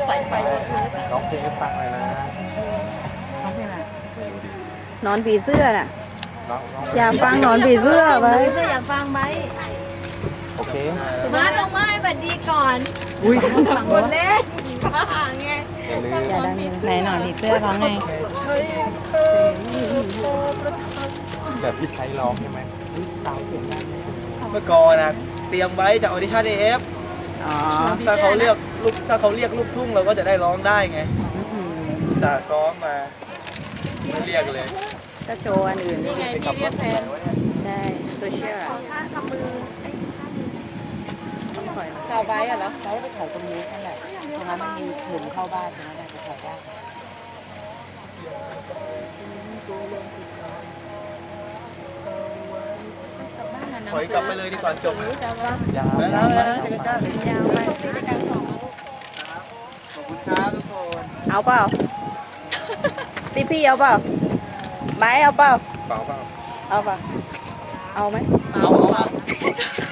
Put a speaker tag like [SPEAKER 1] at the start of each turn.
[SPEAKER 1] ใส่ไฟหมดเลย
[SPEAKER 2] ร้องเพลงให้ฟังเลยนะ
[SPEAKER 1] เขาเป็นอะไร
[SPEAKER 3] นอนผีเสื้อน่ะ
[SPEAKER 2] ร้อง
[SPEAKER 3] อยากฟังนอนผีเสื้อไหม
[SPEAKER 1] เพื่ออยากฟังไหม
[SPEAKER 2] โอเค
[SPEAKER 1] มาลงมาให้บัดดีก่อน
[SPEAKER 3] อุ้ย
[SPEAKER 1] หมดเล่นบ้าไง
[SPEAKER 2] อย่าลืม
[SPEAKER 3] อย่าดังไหนนอนผีเสื้อร้องไง
[SPEAKER 2] แบบพี่ไทยร้องใช่ไหม
[SPEAKER 4] เมื่อก่อนนะเตรียมไว้จากออดิชั่นเอฟ
[SPEAKER 3] อ๋อ
[SPEAKER 4] ถ้าเขาเรียกลูกทุ่งเราก็จะได้ร้องได้ไงแต่ซ้อมมาไม่เรียกเลย
[SPEAKER 3] ก็โชว์อันอื่น
[SPEAKER 1] นี่ไงพี่เรียกแฟน
[SPEAKER 3] ใช่โซเชียล
[SPEAKER 1] ชาวไบอ่ะเหรอ
[SPEAKER 5] ใช้ไปถ่ายตรงนี้นั่นแหละตรงนั้นมันมีหลุมเข้าบ้านนะได้จะถ่ายได้
[SPEAKER 4] ถอยกลับไปเลยดีกว่าจบ
[SPEAKER 2] ยาว
[SPEAKER 4] แล้วนะเจ๊ก้าย
[SPEAKER 3] าวไป
[SPEAKER 4] ขอบคุณครับทุกคน
[SPEAKER 3] เอาเปล่าตีพี่เอาเปล่าไบร์ทเอาเปล่า
[SPEAKER 2] เปล่าเปล่า
[SPEAKER 3] เอาเปล่าเอาไหม
[SPEAKER 4] เอา